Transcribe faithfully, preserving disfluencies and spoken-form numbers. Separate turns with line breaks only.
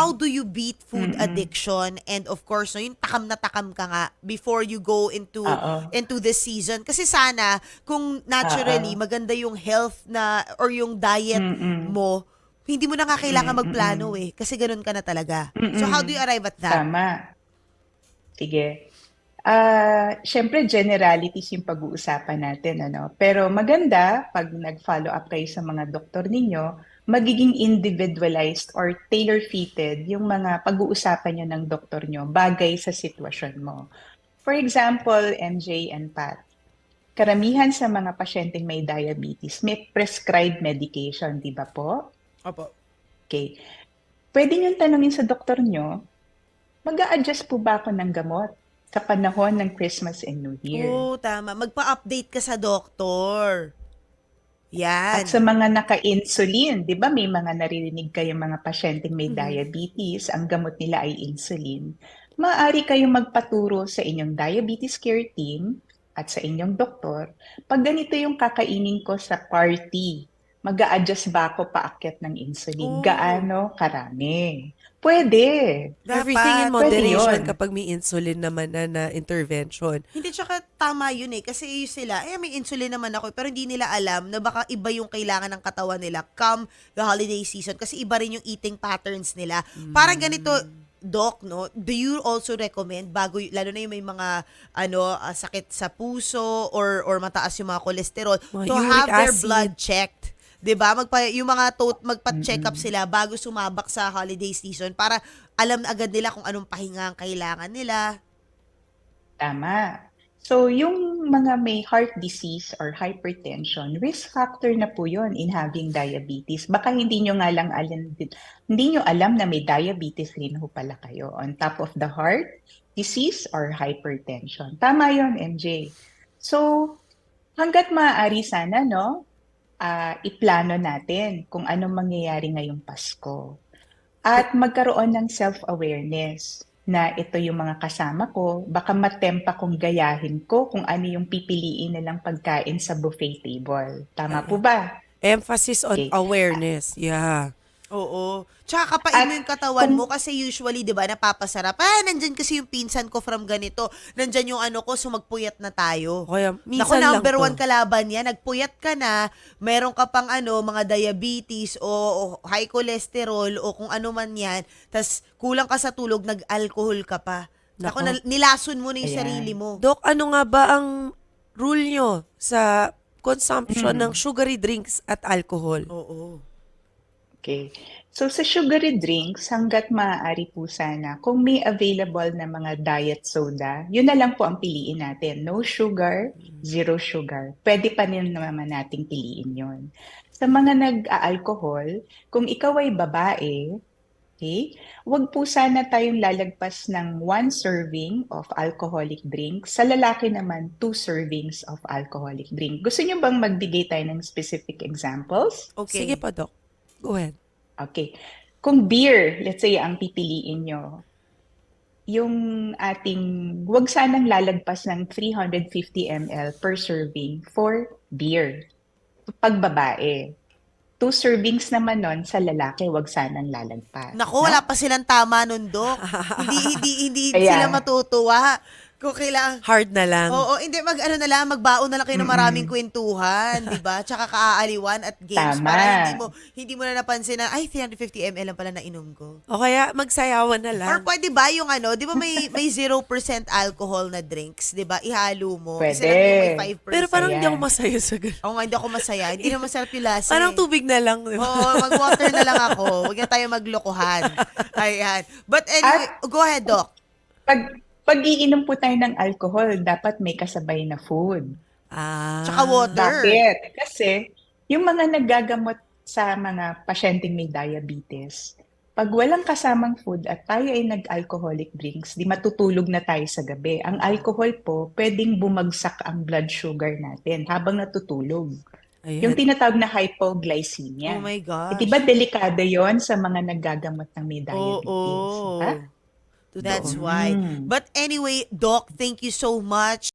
how do you beat food
Mm.
addiction and of course, no, yung takam na takam ka nga before you go into
Oo.
into the season? Kasi sana, kung naturally,
Oo.
maganda yung health na or yung diet
Mm.
mo, hindi mo na nga kailangan
Mm,
magplano
mm.
eh. Kasi ganun ka na talaga. So how do you
Mm.
arrive at that?
Tama. Sige. Ah, siyempre generalities yung pag-uusapan natin, ano? Pero maganda 'pag nag-follow up kayo sa mga doktor ninyo, magiging individualized or tailor-fitted yung mga pag-uusapan niyo ng doktor niyo bagay sa sitwasyon mo. For example, M J and Pat, karamihan sa mga pasyenteng may diabetes may prescribed medication, 'di ba po?
Opo.
Okay. Puwede niyong tanungin sa doktor niyo, mag-a-adjust po ba ako ng gamot sa panahon ng Christmas and New Year?
Oo, tama. Magpa-update ka sa doktor.
At sa
Yan.
mga naka-insulin, 'di ba may mga naririnig kayong mga pasyenteng may
Mhm.
diabetes, ang gamot nila ay insulin. Maaari kayong magpaturo sa inyong diabetes care team at sa inyong doktor, pag ganito yung kakainin ko sa party, mag-a-adjust ba ako paakyat ng insulin?
Oo.
Gaano karami? Puwede.
Everything in
Dapat.
Puwede
moderation
'yun.
kapag may insulin naman na na intervention.
Hindi, tsaka tama yun eh. Kasi yung sila, eh may insulin naman ako, pero hindi nila alam na baka iba yung kailangan ng katawan nila come the holiday season. Kasi iba rin yung eating patterns nila. Parang ganito, Doc, no? Do you also recommend bago, y- lalo na yung may mga ano ah, sakit sa puso or or mataas yung mga kolesterol,
Mga
to
uric
have their
acid.
blood checked? 'Di ba? Magpa yung mga tot magpa-check up
Mm.
sila bago sumabak sa holiday season para alam na agad nila kung anong pahinga ang kailangan nila.
Tama. So, yung mga may heart disease or hypertension, risk factor na po yun in having diabetes. Baka hindi nyo nga lang alam, hindi nyo alam na may diabetes rin ho pala kayo on top of the heart disease or hypertension. Tama yon M J. So, hanggat maaari sana, no, ah, iplano natin kung anong mangyayari ngayong Pasko. At magkaroon ng self-awareness na ito yung mga kasama ko, baka matempa kong gayahin ko kung ano yung pipiliin nilang pagkain sa buffet table. Tama po
Oo.
ba?
Emphasis on
Okay.
awareness. Yeah.
Oo. Tsaka kapain mo yung
At
katawan mo
kung
kasi usually, di ba, napapasarap. Ah, nandyan kasi yung pinsan ko from ganito. Nandyan yung ano ko, so magpuyat na tayo.
O kaya,
Naku,
minsan lang
number
to.
one kalaban yan. Nagpuyat ka na, meron ka pang ano, mga diabetes o, o high cholesterol o kung ano man yan, tas kulang ka sa tulog, nag-alcohol ka pa. Naku,
Nako.
nal- nilason mo na yung sarili
ayan.
mo.
Doc, ano nga ba ang rule nyo sa consumption ng
Mm.
sugary drinks at alcohol?
Oo.
Okay. So sa sugary drinks, hangga't maaari po sana, kung may available na mga diet soda, yun na lang po ang piliin natin. No sugar, zero sugar. Pwede pa rin naman nating piliin yun. Sa mga nag-aalcohol, kung ikaw ay babae, okay, wag po sana tayong lalagpas ng one serving of alcoholic drink. Sa lalaki naman, two servings of alcoholic drink. Gusto niyo bang magbigay tayo ng specific examples?
Sige
Okay.
pa, Doc. Go ahead.
Okay. Kung beer, let's say, ang pipiliin nyo, yung ating, wag sanang lalagpas ng three hundred fifty milliliters per serving for beer. Pag babae. Two servings naman nun sa lalaki, wag sanang lalagpas.
Naku,
No?
wala pa silang tama nun, Dok. hindi, hindi, hindi sila
Kaya,
matutuwa. Kung kailangan,
Hard na lang.
oo, hindi, mag, ano na lang, magbaon na lang kayo ng maraming
mm-mm,
kwentuhan, di ba? Tsaka kaaaliwan at games para hindi mo,
tama.
hindi mo na napansin na, ay, three hundred fifty milliliters lang pala na inom ko.
O kaya, magsayawan na
Or
lang.
pwede ba yung ano, di ba may, may zero percent alcohol na drinks, di ba? Ihalo mo. Isa
Pwede.
lang yung may five percent.
Pero parang hindi ako
Ayan.
masaya sa ganun.
Oo nga, hindi ako masaya. Hindi na masarap yung lasa
Parang
eh.
tubig na lang, di ba?
Oo, mag-water na lang ako. Huwag na tayo maglokohan. Ayan. But anyway,
At
go ahead, Doc.
pag, pag iinom po tayo ng alcohol, dapat may kasabay na food.
Tsaka
Ah.
water.
Bakit? Kasi yung mga naggagamot sa mga pasyenteng may diabetes, pag walang kasamang food at tayo ay nag-alcoholic drinks, di matutulog na tayo sa gabi. Ang alcohol po, pwedeng bumagsak ang blood sugar natin habang natutulog. Yung
Ayan.
tinatawag na
Oh
hypoglycemia.
my
Eh, di ba
gosh.
delikado yon sa mga naggagamot ng may diabetes? Ha?
Oo. That's
Totoo.
why.
Mm.
But anyway, Doc, thank you so much.